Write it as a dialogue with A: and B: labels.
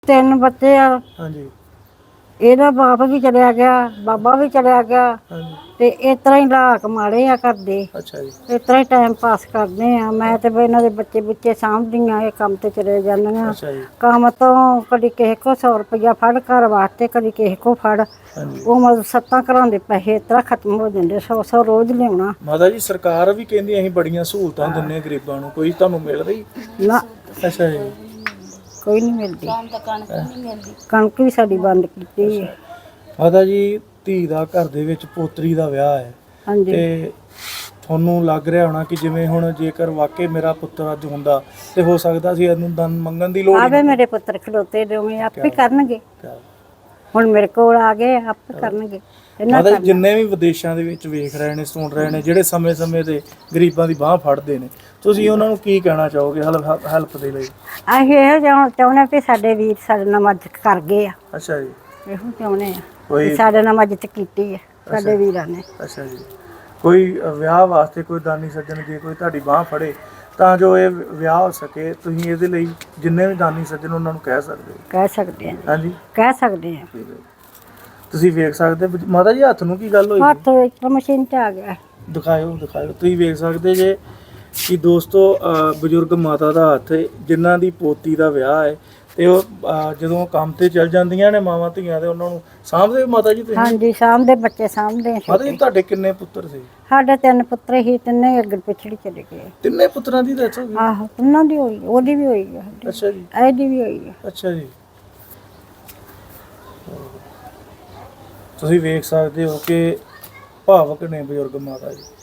A: 3 ਬੱਚੇ ਆ।
B: ਹਾਂਜੀ
A: ਇਹਦਾ ਬਾਪ ਵੀ ਚਲਿਆ ਗਿਆ, ਬਾਬਾ ਵੀ ਚਲਿਆ ਗਿਆ
B: ਹਾਂਜੀ।
A: ਤੇ ਇਸ ਤਰ੍ਹਾਂ ਹੀ ਹਾਲਾਤ ਮਾੜੇ ਆ ਕਰਦੇ।
B: ਅੱਛਾ ਜੀ।
A: ਇਸ ਤਰ੍ਹਾਂ ਹੀ ਟਾਈਮ ਪਾਸ ਕਰਦੇ ਆ। ਮੈਂ ਤੇ ਵੀ ਇਹਨਾਂ ਦੇ ਬੱਚੇ ਬੁੱਚੇ ਸਾਂਭਦੀਆਂ, ਇਹ ਕੰਮ ਤੇ ਚਲੇ ਜਾਂਦੀਆਂ।
B: ਅੱਛਾ ਜੀ।
A: ਕੰਮ ਤੋਂ ਕਦੀ ਕਿਸੇ ਕੋ 100 ਰੁਪਇਆ ਫੜ ਘਰ ਵਾਸਤੇ, ਕਦੀ ਕਿਸੇ ਕੋ ਫੜ।
B: ਹਾਂਜੀ
A: ਉਹ ਮਤਲਬ 7 ਘਰਾਂ ਦੇ ਪੈਸੇ ਇਸ ਤਰ੍ਹਾਂ ਖਤਮ ਹੋ ਜਾਂਦੇ। 100 ਰੋਜ਼ ਲਿਆਉਣਾ।
B: ਮਾਤਾ ਜੀ ਸਰਕਾਰ ਵੀ ਕਹਿੰਦੀ ਅਸੀਂ ਬੜੀਆਂ ਸਹੂਲਤਾਂ ਦਿੰਦੇ ਹਾਂ ਗਰੀਬਾਂ ਨੂੰ, ਕੋਈ ਤੁਹਾਨੂੰ ਮਿਲ ਰਹੀ?
A: ਨਾ
B: ਅੱਛਾ ਜੀ।
A: ਕੋਈ ਨਹੀਂ ਮਿਲਦੀ। ਕਣਕ ਵੀ ਸਾਡੀ ਬੰਦ ਕੀਤੀ ਹੈ।
B: ਮਾਤਾ ਜੀ ਧੀ ਦਾ ਘਰ ਦੇ ਵਿੱਚ ਪੋਤਰੀ ਦਾ ਵਿਆਹ ਹੈ
A: ਹਾਂਜੀ
B: ਤੇ ਤੁਹਾਨੂੰ ਲੱਗ ਰਿਹਾ ਹੋਣਾ ਕਿ ਜਿਵੇਂ ਹੁਣ ਜੇਕਰ ਵਾਕਈ ਮੇਰਾ ਪੁੱਤਰ ਅੱਜ ਹੁੰਦਾ ਤੇ ਹੋ ਸਕਦਾ ਸੀ ਇਹਨੂੰ ਦਾਨ ਮੰਗਣ ਦੀ ਲੋੜ
A: ਆਵੇ ਮੇਰੇ ਪੁੱਤਰ ਖਲੋਤੇ ਦੋਵੇਂ ਆਪੇ ਕਰਨਗੇ। ਹੁਣ ਮੇਰੇ ਕੋਲ ਆ ਗਏ, ਆਪੇ ਕਰਨਗੇ।
B: ਮਾਤਾ ਜੀ ਜਿੰਨੇ ਵੀ ਵਿਦੇਸ਼ਾਂ ਦੇ ਵਿੱਚ ਵੇਖ ਰਹੇ ਨੇ, ਸੁਣ ਰਹੇ ਨੇ, ਜਿਹੜੇ ਸਮੇਂ-ਸਮੇਂ ਤੇ ਗਰੀਬਾਂ ਦੀ ਬਾਹ ਫੜਦੇ ਨੇ, ਤੁਸੀਂ ਉਹਨਾਂ ਨੂੰ ਕੀ ਕਹਿਣਾ ਚਾਹੋਗੇ ਹੈਲਪ ਦੇ ਲਈ?
A: ਅਸੀਂ ਇਹੋ ਚਾਹੁੰਦੇ ਵੀ ਸਾਡੇ ਵੀਰ ਸਾਡੇ ਨਾਲ ਮਦਦ ਕਰ ਗਏ ਆ।
B: ਅੱਛਾ ਜੀ।
A: ਇਹੋ ਚਾਹੁੰਦੇ ਆ ਵੀ ਸਾਡੇ ਨਾਲ ਮਦਦ ਕੀਤੀ ਹੈ ਸਾਡੇ ਵੀਰਾਂ ਨੇ।
B: ਅੱਛਾ ਜੀ। ਕੋਈ ਵਿਆਹ ਵਾਸਤੇ ਕੋਈ ਦਾਨੀ ਸੱਜਣ ਜੇ ਕੋਈ ਤੁਹਾਡੀ ਬਾਹ ਫੜੇ ਤਾਂ ਜੋ ਇਹ ਵਿਆਹ ਹੋ ਸਕੇ, ਤੁਸੀਂ ਇਹਦੇ ਲਈ ਜਿੰਨੇ ਵੀ ਦਾਨੀ ਸੱਜਣ ਉਹਨਾਂ ਨੂੰ ਕਹਿ ਸਕਦੇ ਹੋ?
A: ਕਹਿ ਸਕਦੇ ਆ।
B: ਹਾਂਜੀ
A: ਕਹਿ ਸਕਦੇ ਆ।
B: ਤੁਸੀਂ ਵੇਖ ਸਕਦੇ ਮਾਤਾ ਜੀ ਹੱਥ ਨੂੰ ਕੀ ਗੱਲ ਹੋਈ?
A: ਹੱਥ ਇੱਕ ਮਸ਼ੀਨ 'ਚ ਆ ਗਿਆ।
B: ਦਿਖਾਇਓ ਤੁਸੀਂ ਵੇਖ ਸਕਦੇ ਜੇ ਕਿ ਦੋਸਤੋ ਬਜ਼ੁਰਗ ਮਾਤਾ ਦਾ ਹੱਥ ਜਿਨ੍ਹਾਂ ਦੀ ਪੋਤੀ ਦਾ ਵਿਆਹ ਹੈ ਤੇ ਉਹ ਜਦੋਂ ਕੰਮ ਤੇ ਚਲ ਜਾਂਦੀਆਂ ਨੇ ਮਾਵਾਂ ਧੀਆਂ ਤੇ ਉਹਨਾਂ ਨੂੰ ਸਾਂਭਦੇ ਮਾਤਾ ਜੀ ਤੁਸੀਂ?
A: ਹਾਂਜੀ ਸਾਂਭਦੇ, ਬੱਚੇ ਸਾਂਭਦੇ।
B: ਮਾਤਾ ਜੀ ਤੁਹਾਡੇ ਕਿੰਨੇ ਪੁੱਤਰ ਸੀ?
A: ਸਾਡੇ 3 ਪੁੱਤਰ ਹੀ, ਤਿੰਨੇ ਅੱਗੇ ਪਿਛੜੀ ਚਲੇ ਗਏ।
B: ਤਿੰਨੇ ਪੁੱਤਰਾਂ ਦੀ ਡੈਥ ਹੋ ਗਈ?
A: ਆਹੋ ਉਹਨਾਂ ਦੀ ਹੋਈ, ਉਹਦੀ ਵੀ ਹੋਈ ਹੈ।
B: ਅੱਛਾ ਜੀ।
A: ਇਹਦੀ ਵੀ ਹੋਈ ਹੈ।
B: ਅੱਛਾ ਜੀ। ਤੁਸੀਂ ਵੇਖ ਸਕਦੇ ਹੋ ਕਿ ਭਾਵਕ ਨੇ ਬਜ਼ੁਰਗ ਮਾਤਾ ਜੀ।